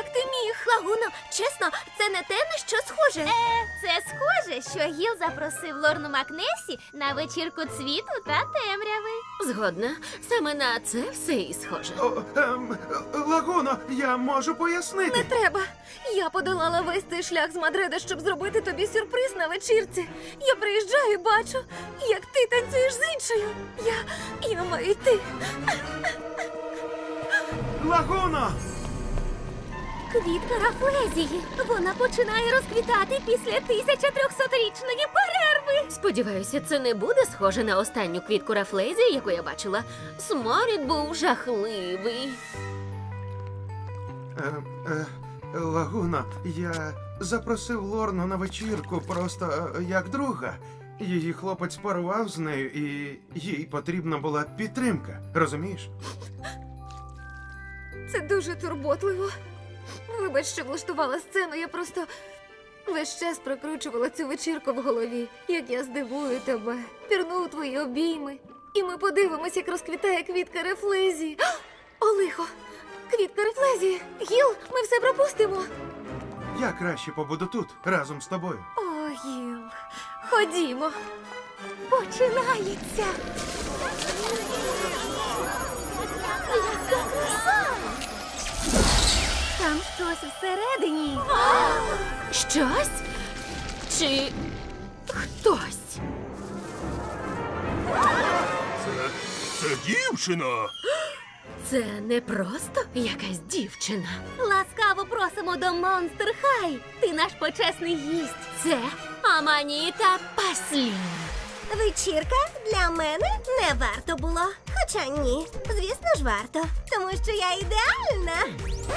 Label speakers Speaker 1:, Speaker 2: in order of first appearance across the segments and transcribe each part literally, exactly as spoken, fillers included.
Speaker 1: Як ти міг? Лагуно, чесно, це не те, на що схоже.
Speaker 2: Е, це схоже, що Гіл запросив Лорну Макнесі на вечірку цвіту та темряви.
Speaker 3: Згодна. Саме на це все і схоже.
Speaker 4: О, ем, Лагуно, я можу пояснити.
Speaker 1: Не треба. Я подолала весь цей шлях з Мадрида, щоб зробити тобі сюрприз на вечірці. Я приїжджаю і бачу, як ти танцюєш з іншою. Я, я маю йти.
Speaker 4: Лагуно!
Speaker 1: Квітка Рафлезії. Вона починає розквітати після тисяча трьохсотрічної перерви.
Speaker 3: Сподіваюся, це не буде схоже на останню квітку рафлезії, яку я бачила. Сморід був жахливий.
Speaker 4: Е, е, Лагуно, я запросив Лорну на вечірку просто е, як друга. Її хлопець порвав з нею, і їй потрібна була підтримка. Розумієш?
Speaker 1: Це дуже турботливо. Вибач, що влаштувала сцену, я просто весь час прокручувала цю вечірку в голові, як я здивую тебе, пірну у твої обійми. І ми подивимось, як розквітає квітка Рефлезії. О, лихо! Квітка Рефлезії! Гіл, ми все пропустимо!
Speaker 4: Я краще побуду тут, разом з тобою.
Speaker 1: О, Гіл, ходімо. Починається! Яка краса! Там щось всередині.
Speaker 3: Щось? Чи хтось?
Speaker 5: Це, це дівчина.
Speaker 3: Це не просто якась дівчина.
Speaker 1: Ласкаво просимо до Монстер Хай. Ти наш почесний гість.
Speaker 3: Це Аманіта Паслін.
Speaker 6: Вечірка для мене не варто було. Хоча ні, звісно ж варто. Тому що я ідеальна.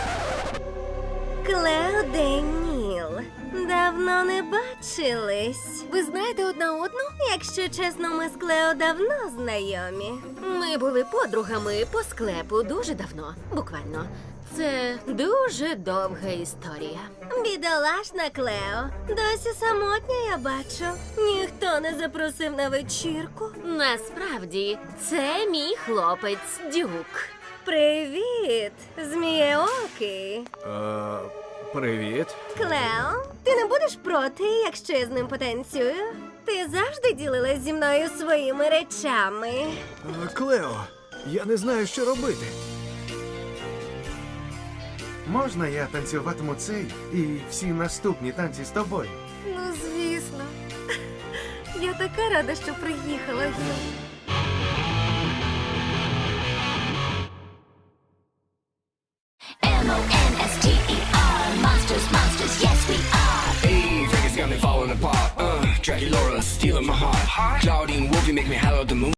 Speaker 6: Клео Деніл. Давно не бачились.
Speaker 1: Ви знаєте одна одну?
Speaker 6: Якщо чесно, ми з Клео давно знайомі.
Speaker 3: Ми були подругами по склепу дуже давно, буквально. Це дуже довга історія.
Speaker 6: Бідолашна Клео. Досі самотня, я бачу. Ніхто не запросив на вечірку.
Speaker 3: Насправді, це мій хлопець Дюк.
Speaker 6: Привіт, змієокий.
Speaker 5: Е, привіт.
Speaker 6: Клео, ти не будеш проти, якщо я з ним потанцюю? Ти завжди ділилась зі мною своїми речами.
Speaker 5: Е, Клео, я не знаю, що робити.
Speaker 4: Можна я танцюватиму цей і всі наступні танці з тобою?
Speaker 1: Ну, звісно. Я така рада, що приїхала, Гіл.
Speaker 7: M O N S T E R Monsters, monsters, yes we are.
Speaker 8: Hey, Vegas got me falling apart. Uh, Dracula, stealing my heart. Claudine Wolfie make me holler at the moon.